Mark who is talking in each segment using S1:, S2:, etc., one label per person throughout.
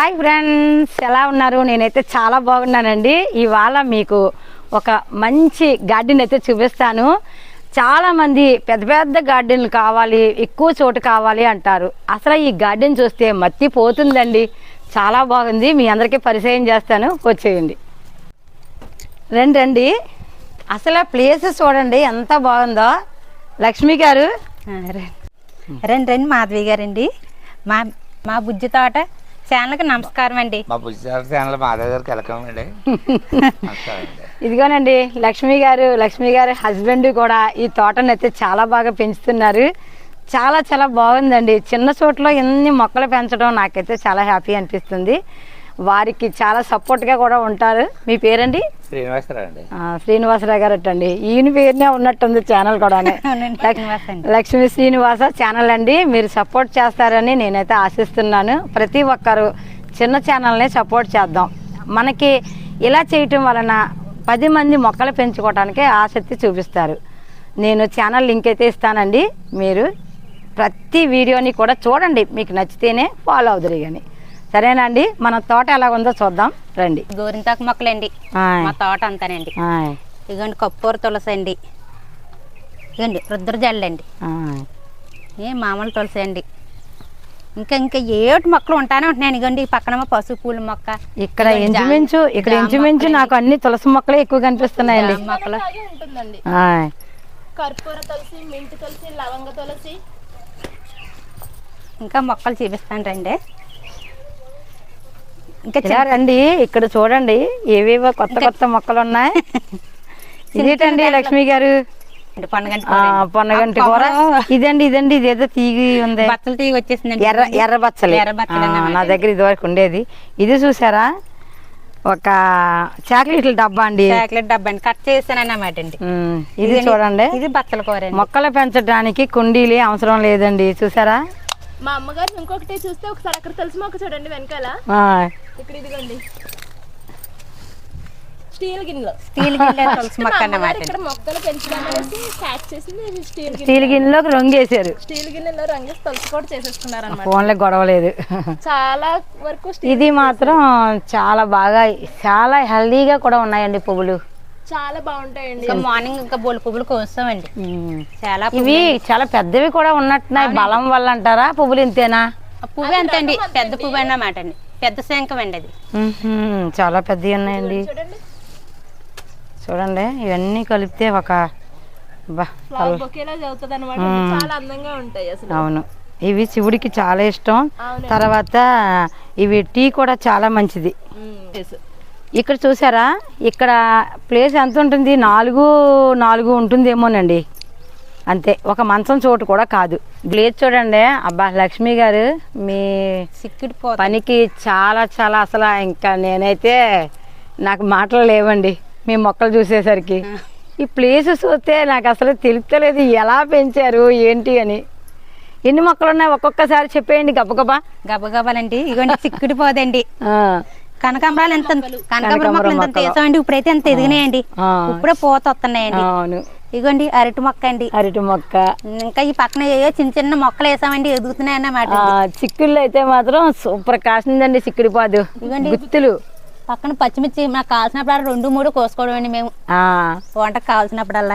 S1: Hi friends, ఎలా ఉన్నారు? నేనైతే చాలా బాగున్నానండి. ఇవాళ మీకు ఒక మంచి గార్డెన్ అయితే చూపిస్తాను. చాలామంది పెద్ద పెద్ద గార్డెన్లు కావాలి, ఎక్కువ చోటు కావాలి అంటారు. అసలు ఈ గార్డెన్ చూస్తే మత్తిపోతుందండి. చాలా బాగుంది. మీ అందరికీ పరిచయం చేస్తాను, వచ్చేయండి. రండి. అసలు ప్లేస్ చూడండి ఎంత బాగుందో. లక్ష్మి గారు
S2: రండి మాధవి గారండి. మా బుజ్జి తోట ఛానల్కి నమస్కారం అండి.
S3: మా బుజ్జి తోట ఛానల్ మాధవి గారికి వెల్కమ్ అండి.
S1: ఇదిగోనండి లక్ష్మి గారు హస్బెండ్ కూడా ఈ తోటను అయితే చాలా బాగా పెంచుతున్నారు. చాలా చాలా బాగుందండి. చిన్న చోట్ల ఎన్ని మొక్కలు పెంచడం నాకైతే చాలా హ్యాపీ అనిపిస్తుంది. వారికి చాలా సపోర్ట్గా కూడా ఉంటారు. మీ పేరండి? శ్రీనివాసరావు గారు అండి. ఈయన పేరునే ఉన్నట్టుంది ఛానల్ కూడా. లక్ష్మీ శ్రీనివాస ఛానల్ అండి. మీరు సపోర్ట్ చేస్తారని నేనైతే ఆశిస్తున్నాను. ప్రతి ఒక్కరు చిన్న ఛానల్ని సపోర్ట్ చేద్దాం. మనకి ఇలా చేయటం వలన 10 మంది మొక్కలు పెంచుకోవడానికి ఆసక్తి చూపిస్తారు. నేను ఛానల్ లింక్ అయితే ఇస్తానండి. మీరు ప్రతి వీడియోని కూడా చూడండి. మీకు నచ్చితేనే ఫాలో అవుదురు. కానీ సరేనండి, మన తోట ఎలా ఉందో చూద్దాం రండి.
S2: గోరింతాకు మొక్కలండి మా తోట అంతానండి. ఇదిగోండి కప్పూర తులసి అండి. ఇదిగోండి రుద్రజల్లండి. మామూలు తులసి అండి. ఇంకా ఏటి మొక్కలు ఉంటానే ఉంటున్నాయి. ఇదిగోండి ఈ పక్కన పసుపు పూల మొక్క. ఇక్కడ
S1: ఇంచుమించు నాకు అన్ని తులసి మొక్కలే ఎక్కువ కనిపిస్తున్నాయండి.
S2: మొక్కలు
S4: కర్పూర తులసి, మింట్ తులసి, లవంగ తులసి.
S2: ఇంకా మొక్కలు చూపిస్తాను రండి.
S1: ఇంకా రండి, ఇక్కడ చూడండి ఏవేవో కొత్త మొక్కలు ఉన్నాయి. ఇదేటండి లక్ష్మి గారు? పొన్నగంటి కూర. ఇదండి ఇదేదో తీగి ఉంది.
S2: బచ్చలు తీగి వచ్చేసింది.
S1: ఎర్ర బచ్చలు నా దగ్గర ఇది వరకు ఉండేది. ఇది చూసారా? ఒక చాక్లెట్ల డబ్బా అండి.
S2: చాక్లెట్ డబ్బా అండి. కట్ చేసాను అన్నమాట అండి.
S1: ఇది చూడండి.
S2: ఇది బచ్చల కూర.
S1: మొక్కలు పెంచడానికి కుండీలే అవసరం లేదండి. చూసారా?
S4: మా అమ్మగారు ఇంకొకటి చూస్తే ఒకసారి అక్కడ తులసి మొక్క చూడండి వెనకాల. ఇక్కడ ఇదిగోండి స్టీల్ గిన్నెలో
S2: తులసి మొక్క అన్నమాట.
S4: ఇక్కడ మొక్కలు పెంచడం అనేసి ప్యాక్ చేసింది
S1: స్టీల్ గిన్నెలోకి రంగేసారు.
S4: స్టీల్ గిన్నెలో రంగేసి తులసి కూడా చేసేసుకున్నారు అన్నమాట.
S1: ఫోన్లో గొడవలేదు.
S4: చాలా వరకు
S1: ఇది మాత్రం చాలా బాగా చాలా హెల్దీగా కూడా ఉన్నాయండి పువ్వులు.
S4: చాలా బాగుంటాయండి.
S2: మార్నింగ్ ఇంకా బోల్ పువ్వులు కోస్తామండి. చాలా
S1: ఇవి చాలా పెద్దవి కూడా ఉన్నట్టున్నాయి. బలం వల్ల అంటారా? పువ్వులు ఇంతేనా?
S2: పువ్వు అంతండి. పెద్ద పువ్వు అన్నమాట అండి. పెద్ద శంఖం అండి అది.
S1: చాలా పెద్దవి ఉన్నాయండి. చూడండి ఇవన్నీ కలిపితే ఒక
S4: చాలా అందంగా ఉంటాయి అసలు.
S1: అవును, ఇవి శివుడికి చాలా ఇష్టం. తర్వాత ఇవి టీ కూడా చాలా మంచిది. ఇక్కడ చూసారా? ఇక్కడ ప్లేస్ ఎంత ఉంటుంది? 4 ఉంటుందేమోనండి, అంతే. ఒక మంచం చోటు కూడా కాదు. ప్లేస్ చూడండి. అబ్బా లక్ష్మి గారు, మీ పనికి చాలా చాలా అసలు ఇంకా నేనైతే నాకు మాటలు లేవండి మీ మొక్కలు చూసేసరికి. ఈ ప్లేస్ చూస్తే నాకు అసలు తెలుస్తలేదు ఎలా పెంచారు ఏంటి అని. ఎన్ని మొక్కలు ఉన్నాయి ఒక్కొక్కసారి చెప్పేయండి
S2: గబగబాలండి. ఇగోండి చిక్కుడిపోదండి. కనకాంబరాలు మొక్కలు ఎంత వేసామండి. ఇప్పుడైతే ఎంత ఎదిగినాయండి. ఇప్పుడే పూత వస్తున్నాయండి. ఇగోండి అరటి మొక్క అండి.
S1: అరటి మొక్క.
S2: ఇంకా ఈ పక్కన ఏవో చిన్న మొక్కలు వేసామండి, ఎదుగుతున్నాయి అన్నమాట.
S1: చిక్కుళ్ళు అయితే మాత్రం సూపర్ కాసిందండి. చిక్కుడిపోదు.
S2: ఇగోండి
S1: గుత్తులు.
S2: పక్కన పచ్చిమిర్చి మాకు కావాల్సినప్పుడు 2-3 కోసుకోవడం అండి మేము వంటకు కావాల్సినప్పుడల్లా.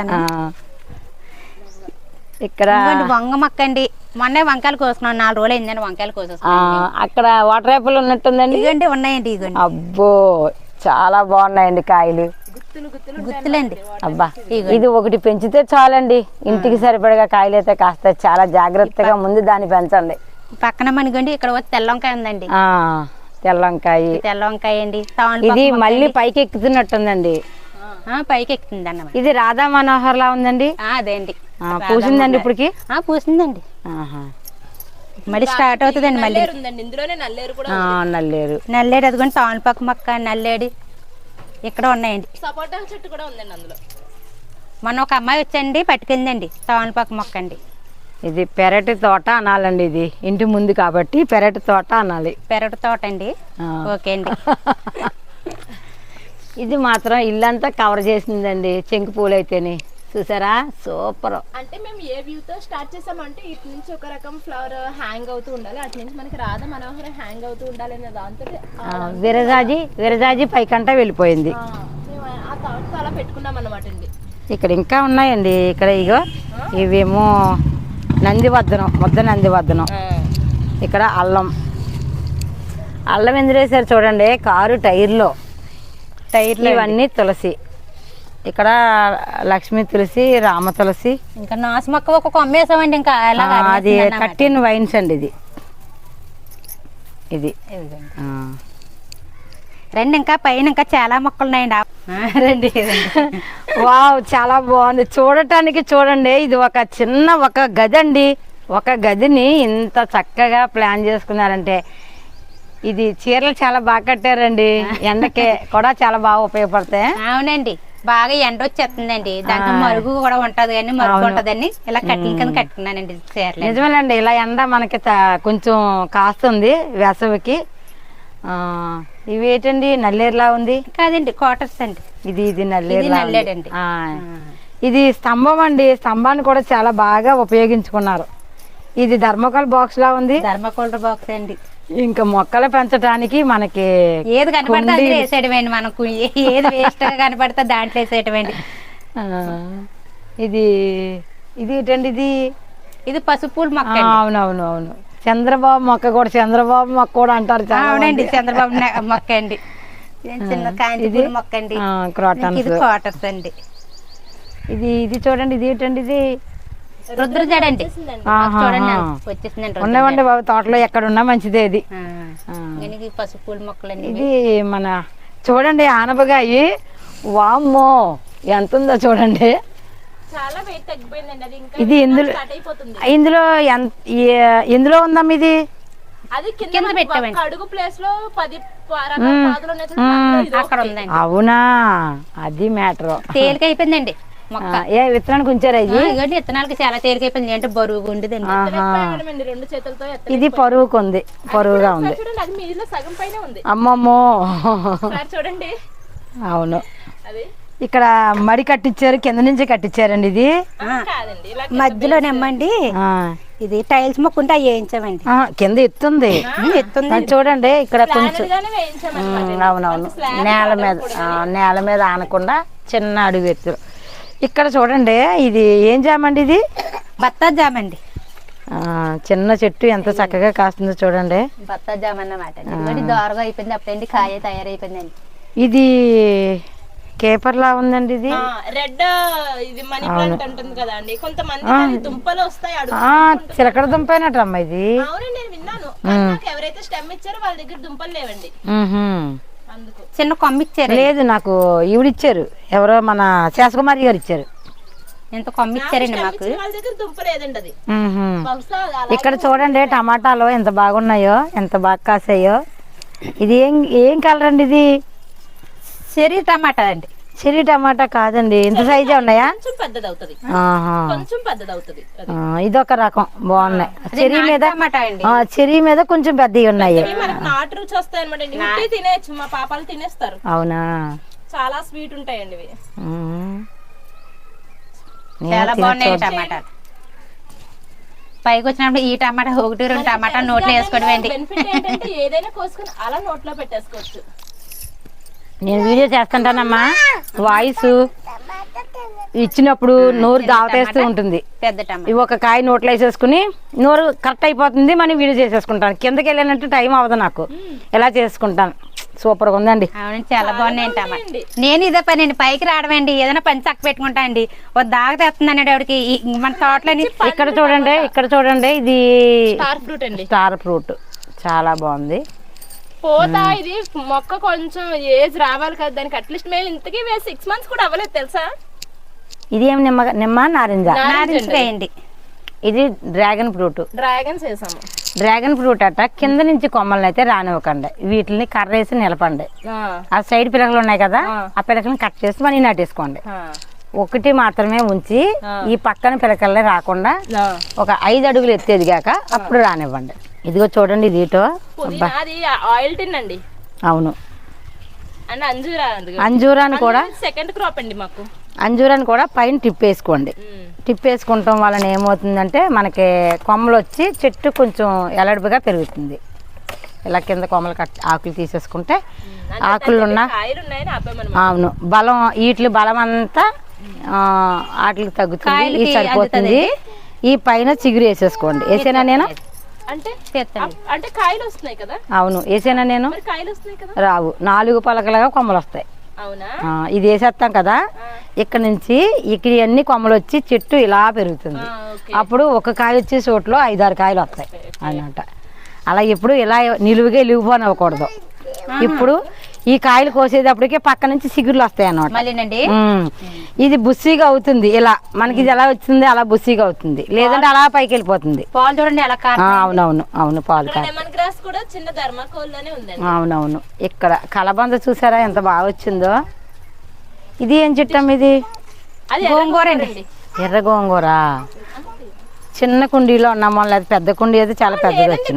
S2: ఇక్కడ వంగ మొక్క అండి. మొన్న వంకాయలు కోసుకున్నాం. 4 రోజులు అయిందండి వంకాయలు కోసేసుకున్నాం.
S1: అక్కడ వాటర్ యాపిల్ ఉన్నట్టుందండి.
S2: ఇదిగోండి ఉన్నాయండి. ఇదిగోండి.
S1: అబ్బో చాలా బాగున్నాయండి కాయలు.
S2: గుత్తులండి.
S1: అబ్బా ఇది ఒకటి పెంచితే చాలండి. ఇంటికి సరిపడగా కాయలు అయితే కాస్త చాలా జాగ్రత్తగా ముందు దాన్ని పెంచండి.
S2: పక్కన మనకండి ఇక్కడ తెల్ల వంకాయ ఉందండి.
S1: తెల్ల
S2: వంకాయ అండి.
S1: ఇది మళ్ళీ పైకి ఎక్కుతున్నట్టుందండి.
S2: పైకి ఎక్కుతుంది అన్నమాట.
S1: ఇది రాధా మనోహర్ లా ఉందండి.
S2: అదే అండి.
S1: పూసిందండి ఇప్పటికి?
S2: పూసిందండి. మళ్ళీ స్టార్ట్ అవుతుందండి. మళ్ళీ నల్లేరు అదిగోండి. తామలపాకు మొక్క, నల్లేడు ఇక్కడ ఉన్నాయండి.
S4: సపోటా చెట్టు కూడా ఉందండి అందులో.
S2: మొన్న ఒక అమ్మాయి వచ్చండి పట్టుకెళ్ళిందండి తామలపాకు మొక్క అండి.
S1: ఇది పెరటి తోట అనాలండి. ఇది ఇంటి ముందు కాబట్టి పెరటి తోట అనాలి.
S2: పెరటి తోట అండి. ఓకే అండి.
S1: ఇది మాత్రం ఇల్లంతా కవర్ చేసిందండి. చెంకు పూలు అయితేనే చూసారా సూపర్.
S4: అంటే మేము ఏ వ్యూ తో స్టార్ట్ చేసామంటే ఇటు నుంచి ఒక రకం ఫ్లవర్ హ్యాంగ్ అవుతూ ఉండాలి, అటు నుంచి మనకి రాధ మనోహర హ్యాంగ్ అవుతూ ఉండాలి అనే దాంతో
S1: విరజాజి పైకంట వెళ్ళిపోయింది.
S4: మేము ఆ థాట్ అలా పెట్టుకున్నాం అన్నమాట అండి.
S1: ఇక్కడ ఇంకా ఉన్నాయండి. ఇక్కడ ఇగో ఇవేమో నందివర్ధనం, ముద్ద నందివర్ధనం. ఇక్కడ అల్లం ఎందులో వేసారు చూడండి, కారు టైర్లో ఇవన్నీ తులసి. ఇక్కడ లక్ష్మీ తులసి, రామ తులసి,
S2: ఇంకా నాసు మొక్క ఒక కొమ్మ వేసామండి. ఇంకా
S1: అది 13 వైన్స్ అండి. ఇది
S2: రండి, ఇంకా పైన ఇంకా చాలా మొక్కలు ఉన్నాయండి. రండి.
S1: వావ్, చాలా బాగుంది చూడటానికి. చూడండి, ఇది ఒక చిన్న గది అండి. ఒక గదిని ఇంత చక్కగా ప్లాన్ చేసుకున్నారంటే, ఇది చీరలు చాలా బాగా కట్టారండి. ఎండకే కూడా చాలా బాగా ఉపయోగపడతాయి.
S2: అవునండి, బాగా ఎండ వచ్చేస్తుందండి. దాంట్లో మరుగు కూడా ఉంటది కానీ మరుగు ఉంటదని ఇలా కట్టిన కింద కట్టుకున్నానండి చీరలు.
S1: నిజమేనండి, ఇలా ఎండ మనకి కొంచెం కాస్తుంది వేసవికి. ఇవి ఏంటండి, నల్లేరులా ఉంది
S2: కాదండి, క్వార్టర్స్ అండి.
S1: ఇది నల్లేరండి.
S2: ఆ.
S1: ఇది స్తంభం అండి. స్తంభాన్ని కూడా చాలా బాగా ఉపయోగించుకున్నారు. ఇది థర్మోకాల్ బాక్స్ లా ఉంది.
S2: థర్మోకోల్ బాక్స్ అండి.
S1: ఇంకా మొక్కలు పెంచడానికి మనకి
S2: ఏది కనపడితే అందులో వేసేయడమేండి. మనకు ఏది వేస్ట్ గా కనపడితే దాంట్లో వేసేయటమేండి.
S1: ఇది ఏంటండి, ఇది
S2: పసుపు మొక్క.
S1: అవును, చంద్రబాబు మొక్క కూడా, చంద్రబాబు మొక్క కూడా అంటారు.
S2: అవునండి, చంద్రబాబు మొక్క అండి. చిన్న కాంతి మొక్క అండి. క్వార్టర్స్ అండి.
S1: ఇది చూడండి, ఇది ఏంటండి, ఇది
S2: రుద్రజడ అండి. చూడండి వచ్చేసిందండి.
S1: ఉండవండి బాబు, తోటలో ఎక్కడున్నా మంచిదే. ఇది
S2: పసుపు మొక్కలండి.
S1: ఇది మన చూడండి ఆనపకాయ. వామ్మో, ఎంత ఉందో చూడండి.
S4: చాలా వెయిట్ తగ్గిపోయిందండి. అది ఇంకా
S1: ఇది ఎందులో ఉందమ్మా ఇది?
S4: అది కింద పెట్టామండి. అడుగు ప్లేస్ లో 10
S2: అక్కడ ఉందండి.
S1: అవునా, అది మ్యాటర్.
S2: తేలిక అయిపోయిందండి మొక్క.
S1: ఏ విత్తనానికి ఉంచారా?
S2: ఇది విత్తనాలకి చాలా తేలిక అయిపోయింది. అంటే బరువుగా ఉండేదండి.
S4: 2 చేతులతో
S1: ఇది పరువుగా ఉంది.
S4: అది మీలో సగం పైన ఉంది.
S1: అమ్మమ్మో,
S4: చూడండి.
S1: అవును, ఇక్కడ మడి కట్టించారు, కింద నుంచి కట్టించారండి. ఇది
S2: మధ్యలో నెమ్మండి. ఇది టైల్స్ మొక్క ఉంటే అవి వేయించామండి.
S1: కింద ఎత్తుంది చూడండి. ఇక్కడ కొంచెం అవునవును, నేల మీద ఆనకుండా చిన్న అడుగు ఎత్తు. ఇక్కడ చూడండి, ఇది ఏం జామండి? ఇది
S2: బత్తాయి జామ అండి.
S1: చిన్న చెట్టు ఎంత చక్కగా కాస్తుందో చూడండి.
S2: బత్తాయి జామ అన్నమాట. దోరగా అయిపోయింది అప్పుడండి, కాయ తయారైపోయిందండి.
S1: ఇది కేపర్ లా ఉందండి. ఇది
S4: రెడ్, ఇది మనీ ప్లాంట్ ఉంటుంది కదా అండి. కొంతమంది దుంపలు వస్తాయి,
S1: చిలకడ దుంపైనట్టమ్మా ఇది.
S4: అవునండి, నేను విన్నాను. ఎవరైతే స్టెమ్ ఇచ్చారో వాళ్ళ దగ్గర దుంపలు లేవండి.
S2: చిన్న కొమ్మ ఇచ్చారు.
S1: లేదు, నాకు ఈవిడిచ్చారు. ఎవరో మన శేషకుమారి గారు ఇచ్చారు.
S2: ఎంత కొమ్మ ఇచ్చారండి మాకు.
S4: వాళ్ళ దగ్గర దుంప లేదండి అది.
S1: ఇక్కడ చూడండి, టమాటాలు ఎంత బాగున్నాయో, ఎంత బాగా కాసాయో. ఇది ఏం కలర్ అండి? ఇది
S2: చెర్రీ టమాటా అండి.
S1: చెర్రీ టమాటా కాదండి, ఇంత సైజే ఉన్నాయా? ఇది ఒక రకం బాగున్నాయి. చెర్రీ మీద కొంచెం పెద్దవి ఉన్నాయి.
S4: నాటు రుచి వస్తాయి అన్నమాట. తినేయచ్చు, మా పాపాలు తినేస్తారు.
S1: అవునా,
S4: చాలా స్వీట్ ఉంటాయండి ఇవి.
S2: చాలా బాగున్నాయి టమాటాలు. పైకి వచ్చినప్పుడు ఈ టమాటా 1-2 టమాటా నోట్లో వేసుకోవడం.
S4: బెనిఫిట్ ఏంటంటే ఏదైనా కోసుకొని అలా నోట్లో పెట్టేసుకోవచ్చు.
S1: నేను వీడియో చేస్తుంటానమ్మా. వాయిస్ ఇచ్చినప్పుడు నోరు దావతేస్తూ ఉంటుంది. ఇవి ఒక కాయ నోట్లో వేసేసుకుని నోరు కరెక్ట్ అయిపోతుంది. మనం వీడియో చేసేసుకుంటాను. కిందకి వెళ్ళినట్టు టైం అవ్వదు నాకు, ఎలా చేసుకుంటాను. సూపర్ గా ఉందండి.
S2: అవునండి, చాలా బాగున్నాయి. నేను ఇదే పని అండి, పైకి రావడం అండి. ఏదైనా పని చక్క పెట్టుకుంటా అండి. ఒక దాగ తెస్తుందండి ఆవిడకి మన తోటలని.
S1: ఇక్కడ చూడండి, ఇది
S4: స్టార్ ఫ్రూట్ అండి.
S1: స్టార్ ఫ్రూట్ చాలా బాగుంది.
S4: పోతా ఇది మొక్క కొంచెం ఏజ్ రావాలి కదా దానికి. అట్లీస్ట్ మేము ఇంతకీ 6 months కూడా అవ్వలేదు తెలుసా.
S1: ఇది ఏం నిమ్మ నారింజ
S2: వేయండి.
S1: ఇది డ్రాగన్ ఫ్రూట్. డ్రాగన్ ఫ్రూట్ అట్ట కింద నుంచి కొమ్మల్ని అయితే రానివ్వకండి. వీటిని కర్ర వేసి నిలపండి. ఆ సైడ్ పిలకలు ఉన్నాయి కదా, ఆ పిలకలను కట్ చేసి మనీ నాటేసుకోండి. ఒకటి మాత్రమే ఉంచి ఈ పక్కన పిలకల్ని రాకుండా ఒక 5 అడుగులు ఎత్తేదిగాక అప్పుడు రానివ్వండి. ఇదిగో చూడండి, ఇది
S4: ఆయిల్ టిన్ అండి.
S1: అవును,
S4: అండ్ అంజూరా
S1: అంజూరాన్ని కూడా
S4: సెకండ్ క్రాప్ అండి మాకు.
S1: అంజూరాన్ని కూడా పైన టిప్పేసుకోండి. టిప్పేసుకుంటాం వలన ఏమవుతుందంటే మనకి కొమ్మలు వచ్చి చెట్టు కొంచెం ఎలడుపుగా పెరుగుతుంది. ఇలా కింద కొమ్మలు ఆకులు తీసేసుకుంటే ఆకులు ఉన్న అవును బలం వీటి బలం అంతా వాటికి తగ్గుతుంది. ఇది సరిపోతుంది. ఈ పైన చిగురు వేసేసుకోండి. వేసేనా నేను
S4: అంటే కాయలు వస్తున్నాయి కదా?
S1: అవును వేసేనా నేను?
S4: కాయలు వస్తున్నాయి కదా?
S1: రావు, 4 పలకలుగా కొమ్మలు వస్తాయి. ఇది వేసేస్తాం కదా, ఇక్కడ నుంచి ఇక్కడ అన్ని కొమ్మలు వచ్చి చెట్టు ఇలా పెరుగుతుంది. అప్పుడు ఒక కాయ వచ్చే చోట్లో 5-6 కాయలు వస్తాయి అన్నమాట. అలా ఎప్పుడు ఇలా నిలువుగా ఇలిగిపోనివ్వకూడదు. ఇప్పుడు ఈ కాయలు కోసేటప్పటికే పక్క నుంచి సిగురులు వస్తాయి అన్నమాట. ఇది బుస్సిగా అవుతుంది. ఇలా మనకి ఇది ఎలా వచ్చింది అలా బుస్సిగా అవుతుంది, లేదంటే అలా పైకి వెళ్ళిపోతుంది.
S2: పాలు చూడండి ఎలా.
S1: అవునవును అవును పాలు. అవునవును ఇక్కడ కలబంద చూసారా ఎంత బాగా వచ్చిందో. ఇది ఏం చెట్టం? ఇది
S2: గోంగూర అండి.
S1: ఎర్ర గోంగూర. చిన్న కుండీలో ఉన్నామో లేదా పెద్ద కుండీ అయితే చాలా పెద్దది వచ్చింది.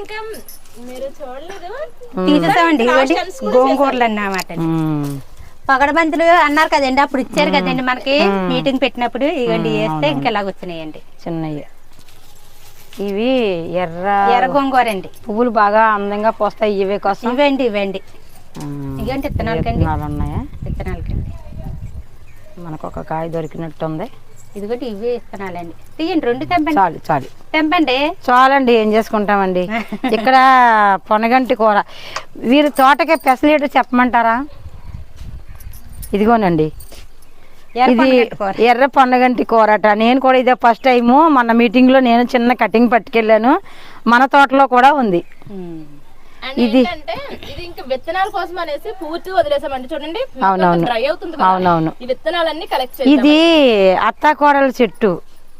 S2: తీసేసామండి గోంగూరలు అన్నమాట. పగడబంతులు అన్నారు కదండి, అప్పుడు ఇచ్చారు కదండి మనకి మీటింగ్ పెట్టినప్పుడు. ఇవ్వండి వేస్తే ఇంకెలాగ వచ్చినాయండి
S1: చిన్నవి. ఇవి
S2: ఎర్ర గోంగూర అండి.
S1: పువ్వులు బాగా అందంగా పోస్తాయి. ఇవే కోసం
S2: ఇవ్వండి ఇవ్వండి. ఇవ్వండి విత్తనాలకండి.
S1: ఉన్నాయా?
S2: విత్తనాలకండి.
S1: మనకు ఒక కాయ దొరికినట్టు ఉంది.
S2: ఇదిగోటి ఇవే విత్తనాలండి. తీయండి 2 తెంపండి.
S1: చాలు చాలు
S2: తెంపండి
S1: చాలండి. ఏం చేసుకుంటామండి. ఇక్కడ పొనగంటి కూర. వీరి తోటకే పెసలేటు చెప్పమంటారా? ఇదిగోనండి, ఇది ఎర్ర పొన్నగంటి కూరట. నేను కూడా ఇదే ఫస్ట్ టైము. మన మీటింగ్ లో నేను చిన్న కటింగ్ పట్టుకెళ్ళాను. మన తోటలో కూడా ఉంది.
S4: ఇది ఇంకా విత్తనాల కోసం అనేసి పూర్తిగా వదిలేసామండి. చూడండి డ్రై అవుతుంది. అవునవును ఈ విత్తనాలన్నీ కలెక్ట్ చేసి.
S1: ఇది అత్తాకోడల చెట్టు.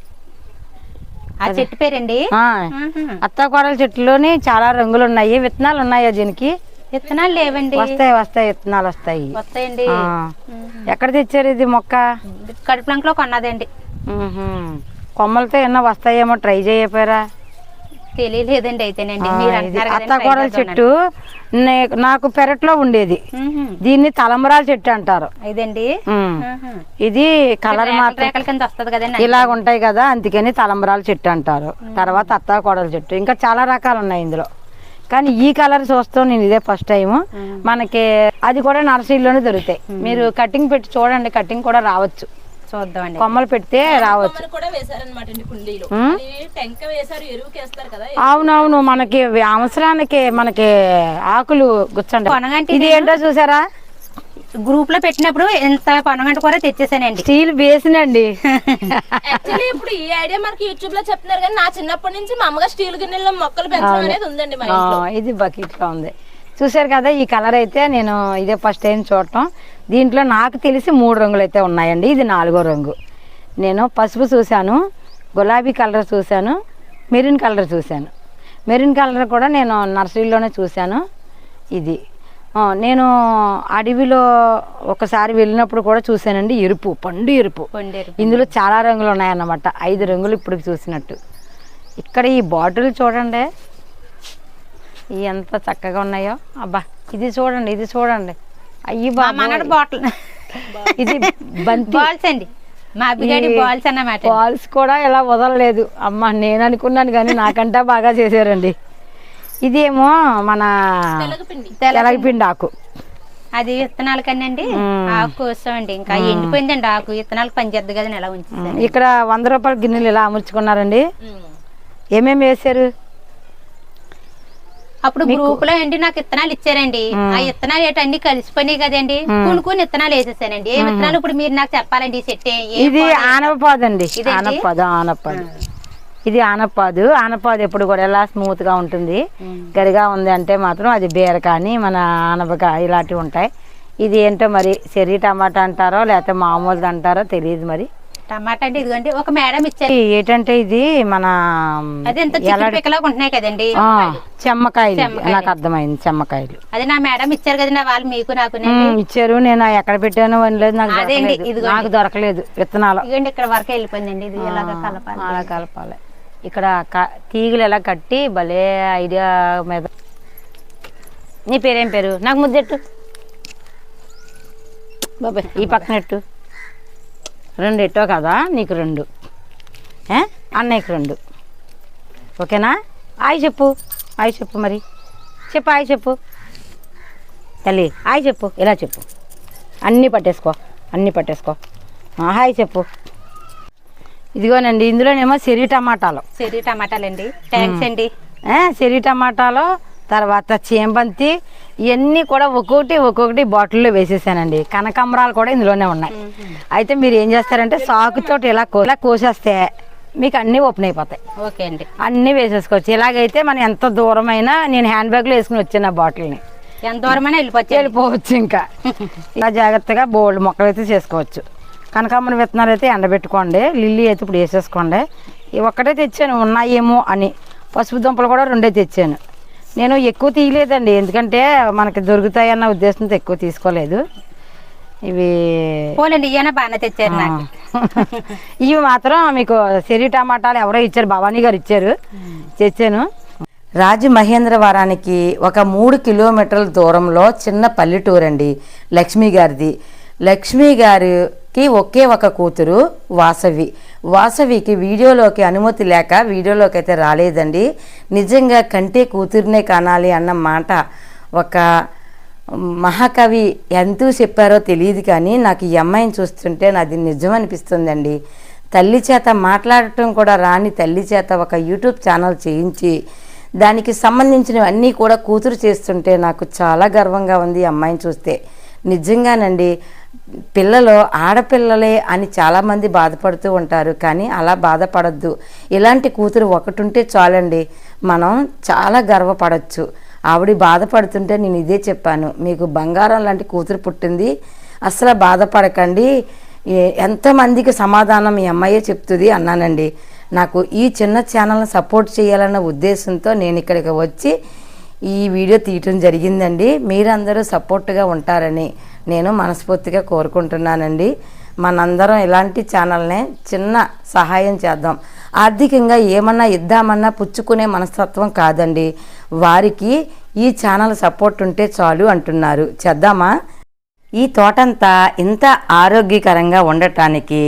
S2: ఆ చెట్టు పేరండి
S1: అత్తాకోడల చెట్టులోని చాలా రంగులు ఉన్నాయి. విత్తనాలు ఉన్నాయా దీనికి?
S2: విత్తనాలు లేవండి.
S1: వస్తాయి వస్తాయి విత్తనాలు వస్తాయి.
S2: వస్తాయండి.
S1: ఎక్కడ తెచ్చారు ఇది మొక్క?
S2: కడుపులంక లో కొన్నదండి.
S1: కొమ్మలతో ఏమన్నా వస్తాయేమో ట్రై చేయపోయారా?
S2: తెలియలేదండి. అయితేనండి
S1: అత్తాకోడల చెట్టు నాకు పెరట్లో ఉండేది. దీన్ని తలంబరాల చెట్టు అంటారు.
S2: ఇదండి
S1: ఇది కలర్ మాత్రం
S2: కింద వస్తుంది కదండి,
S1: ఇలాగ ఉంటాయి కదా, అందుకని తలంబరాల చెట్టు అంటారు. తర్వాత అత్తాకోడల చెట్టు. ఇంకా చాలా రకాలు ఉన్నాయి ఇందులో, కానీ ఈ కలర్ చూస్తాం నేను ఇదే ఫస్ట్ టైం. మనకి అది కూడా నర్సరీలోనే దొరుకుతాయి. మీరు కటింగ్ పెట్టి చూడండి, కటింగ్ కూడా రావచ్చు.
S2: చూద్దామండి.
S1: కొమ్మలు పెడితే రావచ్చు. అవునవును మనకి అవసరానికి మనకి ఆకులు గుచ్చండి. ఇది ఏంటో చూసారా?
S2: గ్రూప్ లో పెట్టినప్పుడు ఎంత పొనగంట కూడా తెచ్చేసానండి.
S1: స్టీల్ బేసినండి.
S4: ఇప్పుడు ఈ ఐడియా మనకి యూట్యూబ్ లో చెప్తున్నారు, కానీ నా చిన్నప్పటి నుంచి మా అమ్మగా స్టీల్ గిన్నెలో మొక్కలు పెంచడం అనేది ఉందండి మా ఇంట్లో.
S1: ఇది బకెట్ లో ఉంది చూసారు కదా. ఈ కలర్ అయితే నేను ఇదే ఫస్ట్ టైం చూడటం. దీంట్లో నాకు తెలిసి 3 రంగులు అయితే ఉన్నాయండి. ఇది 4వ రంగు. నేను పసుపు చూశాను, గులాబీ కలర్ చూశాను, మెరూన్ కలర్ చూశాను. మెరూన్ కలర్ కూడా నేను నర్సరీలోనే చూశాను. ఇది నేను అడవిలో ఒకసారి వెళ్ళినప్పుడు కూడా చూశానండి. ఎరుపు, పండు ఎరుపు. ఇందులో చాలా రంగులు ఉన్నాయన్నమాట. 5 రంగులు ఇప్పుడు చూసినట్టు. ఇక్కడ ఈ బాటిల్ చూడండి ఎంత చక్కగా ఉన్నాయో. అబ్బా ఇది చూడండి, ఇది చూడండి. అయ్యి
S2: బాటిల్.
S1: ఇది బాల్స్
S2: అండి, మా అబ్బిగాడి బాల్స్ అన్నమాట.
S1: బాల్స్ కూడా ఇలా వదలలేదు. అమ్మ నేను అనుకున్నాను కానీ నాకంటే బాగా చేశారండి. ఇదేమో మన తెలగపిండి ఆకు.
S2: అది విత్తనాల కన్నా ఆకు కోసామండి. ఇంకా ఎండిపోయిందండి ఆకు. విత్తనాలకు పనిచేద్దు కదా ఎలా ఉంచింది.
S1: ఇక్కడ 100 రూపాయల గిన్నెలు ఇలా అమర్చుకున్నారండి. ఏమేమి వేసారు?
S2: అప్పుడు గ్రూప్ లో అండి నాకు విత్తనాలు ఇచ్చారండి. ఆ విత్తనాలు ఏంటండి కలిసిపోయినాయి కదండి, కొన్ని విత్తనాలు వేసేసానండి. ఏ విత్తనాలు ఇప్పుడు మీరు నాకు చెప్పాలండి. సెట్
S1: ఇది ఆనపపాదు అండి. ఆనపపాదు ఇది ఆనపపాదు. ఆనపపాదు ఎప్పుడు కూడా ఎలా స్మూత్ గా ఉంటుంది. గరిగా ఉంది అంటే మాత్రం అది బీర కానీ మన ఆనపగా ఇలాంటివి ఉంటాయి. ఇది ఏంటో మరి చెర్రీ టమాటా అంటారో లేకపోతే మామూలుది అంటారో తెలియదు. మరి
S2: టమాటా అంటే ఇదిగోండి ఒక మేడం ఇచ్చారు.
S1: ఏంటంటే ఇది మన
S2: ఉంటున్నాయి కదండి
S1: చెమ్మకాయలు. నాకు అర్థమైంది, చెమ్మకాయలు.
S2: అది నా మేడం ఇచ్చారు కదండి. వాళ్ళు మీకు నాకు
S1: ఇచ్చారు. నేను ఎక్కడ పెట్టానో అనలేదు, నాకు దొరకలేదు విత్తనాలు.
S2: ఇదిగోండి ఇక్కడ వరకు వెళ్ళిపోయిందండి. ఇది ఎలాగ కలపాలి,
S1: అలా కలపాలి. ఇక్కడ తీగలు ఎలా కట్టి భలే ఐడియా మీద. నీ పేరేం పేరు? నాకు ముద్దెట్టు బాబాయ్. ఈ పక్కనట్టు 2 ఎట్టో కదా, నీకు 2, అన్నయ్యకి 2. ఓకేనా? హాయ్ చెప్పు, హాయ్ చెప్పు, మరి చెప్పు, హాయ్ చెప్పు తల్లి, హాయ్ చెప్పు, ఇలా చెప్పు, అన్నీ పట్టేసుకో, అన్నీ పట్టేసుకో, హాయ్ చెప్పు. ఇదిగోనండి, ఇందులోనేమో చెర్రీ
S2: టమాటాలండి. థ్యాంక్స్ అండి.
S1: చెర్రీ టమాటాలు, తర్వాత చేంబంతి, ఇవన్నీ కూడా ఒక్కొక్కటి బాటిల్లో వేసేసానండి. కనకాంబరాలు కూడా ఇందులోనే ఉన్నాయి. అయితే మీరు ఏం చేస్తారంటే సాకుతోటి ఇలా కోసేస్తే మీకు అన్నీ ఓపెన్ అయిపోతాయి.
S2: ఓకే అండి,
S1: అన్నీ వేసేసుకోవచ్చు. ఇలాగైతే మనం ఎంత దూరమైనా, నేను హ్యాండ్ బ్యాగ్లో వేసుకుని వచ్చాను ఆ బాటిల్ని,
S2: ఎంత దూరమైనా వెళ్ళిపోవచ్చు. ఇంకా
S1: ఇలా జాగ్రత్తగా బోల్డ్ మొక్కలు అయితే చేసుకోవచ్చు. కనకాంబరం విత్తనాలు అయితే ఎండబెట్టుకోండి, లిల్లీ అయితే ఇప్పుడు వేసేసుకోండి. ఇవి ఒక్కటే తెచ్చాను ఉన్నాయేమో అని. పసుపు దుంపలు కూడా 2 తెచ్చాను. నేను ఎక్కువ తీయలేదండి, ఎందుకంటే మనకి దొరుకుతాయన్న ఉద్దేశంతో ఎక్కువ తీసుకోలేదు. ఇవి
S2: బాగానే తెచ్చారు నాకు.
S1: ఇవి మాత్రం మీకు చెర్రీ టమాటాలు ఎవరో ఇచ్చారు, భవానీ గారు ఇచ్చారు, తెచ్చాను. రాజమహేంద్రవరానికి ఒక 3 కిలోమీటర్ల దూరంలో చిన్న పల్లెటూరు అండి లక్ష్మి గారిది. లక్ష్మి గారికి ఒకే ఒక కూతురు వాసవికి వీడియోలోకి అనుమతి లేక వీడియోలోకి అయితే రాలేదండి. నిజంగా కంటే కూతురునే కానాలి అన్న మాట ఒక మహాకవి ఎంతో చెప్పారో తెలియదు, కానీ నాకు ఈ అమ్మాయిని చూస్తుంటే నాది నిజం అనిపిస్తుందండి. తల్లి చేత మాట్లాడటం కూడా రాని తల్లి చేత ఒక యూట్యూబ్ ఛానల్ చేయించి దానికి సంబంధించినవన్నీ కూడా కూతురు చేస్తుంటే నాకు చాలా గర్వంగా ఉంది ఈ అమ్మాయిని చూస్తే. నిజంగానండి, పిల్లలు ఆడపిల్లలే అని చాలామంది బాధపడుతూ ఉంటారు, కానీ అలా బాధపడద్దు. ఇలాంటి కూతురు ఒకటి ఉంటే చాలండి, మనం చాలా గర్వపడచ్చు. ఆవిడ బాధపడుతుంటే నేను ఇదే చెప్పాను, మీకు బంగారం లాంటి కూతురు పుట్టింది, అసలు బాధపడకండి, ఎంతమందికి సమాధానం ఈ అమ్మాయే చెప్తుంది అన్నానండి. నాకు ఈ చిన్న ఛానల్ని సపోర్ట్ చేయాలన్న ఉద్దేశంతో నేను ఇక్కడికి వచ్చి ఈ వీడియో తీయటం జరిగిందండి. మీరందరూ సపోర్ట్గా ఉంటారని నేను మనస్ఫూర్తిగా కోరుకుంటున్నానండి. మనందరం ఇలాంటి ఛానల్నే చిన్న సహాయం చేద్దాం. ఆర్థికంగా ఏమన్నా ఇద్దామన్నా పుచ్చుకునే మనస్తత్వం కాదండి, వారికి ఈ ఛానల్ సపోర్ట్ ఉంటే చాలు అంటున్నారు. చేద్దామా? ఈ తోటంతా ఇంత ఆరోగ్యకరంగా ఉండటానికి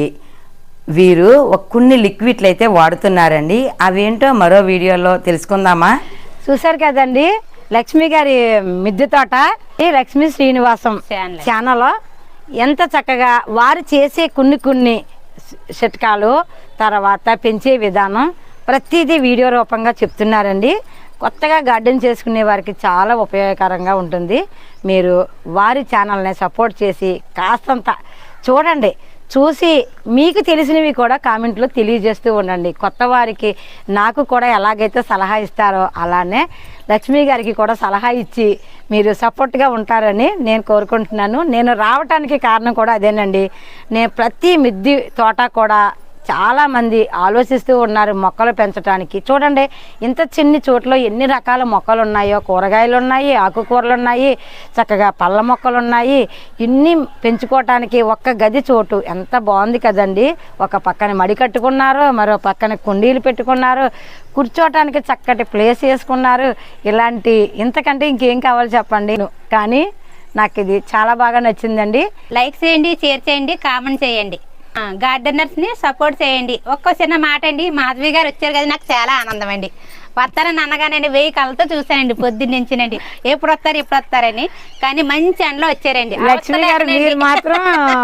S1: వీరు కొన్ని లిక్విడ్లు అయితే వాడుతున్నారండి. అవేంటో మరో వీడియోలో తెలుసుకుందామా? చూసారు కదండి, లక్ష్మి గారి మిద్దె తోట, లక్ష్మీ శ్రీనివాసం ఛానల్ ఎంత చక్కగా వారు చేసే కొన్ని చిట్కాలు, తర్వాత పెంచే విధానం ప్రతిదీ వీడియో రూపంగా చెప్తున్నారండి. కొత్తగా గార్డెన్ చేసుకునే వారికి చాలా ఉపయోగకరంగా ఉంటుంది. మీరు వారి ఛానల్ని సపోర్ట్ చేసి కాస్తంత చూడండి, చూసి మీకు తెలిసినవి కూడా కామెంట్లో తెలియజేస్తూ ఉండండి. కొత్త వారికి నాకు కూడా ఎలాగైతే సలహా ఇస్తారో అలానే లక్ష్మి గారికి కూడా సలహా ఇచ్చి మీరు సపోర్ట్గా ఉంటారని నేను కోరుకుంటున్నాను. నేను రావటానికి కారణం కూడా అదేనండి. నేను ప్రతి మిద్దె తోట కూడా చాలామంది ఆలోచిస్తూ ఉన్నారు మొక్కలు పెంచడానికి. చూడండి, ఇంత చిన్ని చోట్ల ఎన్ని రకాల మొక్కలు ఉన్నాయో, కూరగాయలు ఉన్నాయి, ఆకుకూరలు ఉన్నాయి, చక్కగా పళ్ళ మొక్కలు ఉన్నాయి. ఇన్ని పెంచుకోవటానికి ఒక్క గది చోటు ఎంత బాగుంది కదండి. ఒక పక్కన మడి కట్టుకున్నారు, మరో పక్కన కుండీలు పెట్టుకున్నారు, కూర్చోవటానికి చక్కటి ప్లేస్ వేసుకున్నారు. ఇలాంటి ఇంతకంటే ఇంకేం కావాలి చెప్పండి. కానీ నాకు ఇది చాలా బాగా నచ్చిందండి.
S2: లైక్ చేయండి, షేర్ చేయండి, కామెంట్ చేయండి, గార్డెనర్స్ ని సపోర్ట్ చేయండి. ఒక్క చిన్న మాట అండి, మాధవి గారు వచ్చారు కదా, నాకు చాలా ఆనందం అండి. వస్తారని అనగానండి 1000 కళ్ళతో చూసానండి పొద్దున్నుంచినండి, ఎప్పుడు వస్తారని. కానీ మంచి ఎండలో వచ్చారండి
S1: లక్ష్మి గారు. మీరు మాత్రం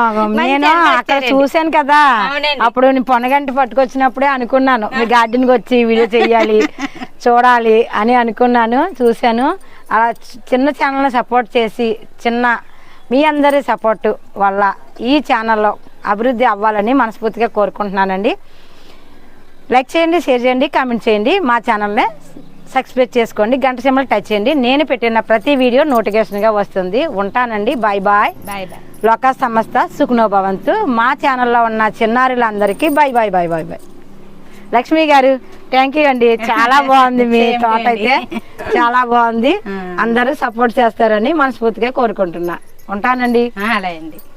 S1: నేను అక్కడ చూశాను కదా, అప్పుడు నేను పొనగంటి పట్టుకొచ్చినప్పుడే అనుకున్నాను మీ గార్డెన్కి వచ్చి వీడియో చెయ్యాలి, చూడాలి అని అనుకున్నాను. చూశాను. అలా చిన్న ఛానల్ని సపోర్ట్ చేసి మీ అందరి సపోర్టు వల్ల ఈ ఛానల్లో అభివృద్ధి అవ్వాలని మనస్ఫూర్తిగా కోరుకుంటున్నానండి. లైక్ చేయండి, షేర్ చేయండి, కామెంట్ చేయండి, మా ఛానల్ని సబ్స్క్రైబ్ చేసుకోండి, గంట సింబల్ టచ్ చేయండి. నేను పెట్టిన ప్రతి వీడియో నోటిఫికేషన్గా వస్తుంది. ఉంటానండి. Bye bye. లోకా సమస్త సుఖనో భవంతు. మా ఛానల్లో ఉన్న చిన్నారులందరికీ bye bye bye bye bye. Lakshmi garu thank you అండి, చాలా బాగుంది మీ తోట అయితే, చాలా బాగుంది. అందరూ సపోర్ట్ చేస్తారని మనస్ఫూర్తిగా కోరుకుంటున్నా. ఉంటానండి.
S2: అలాగే అండి.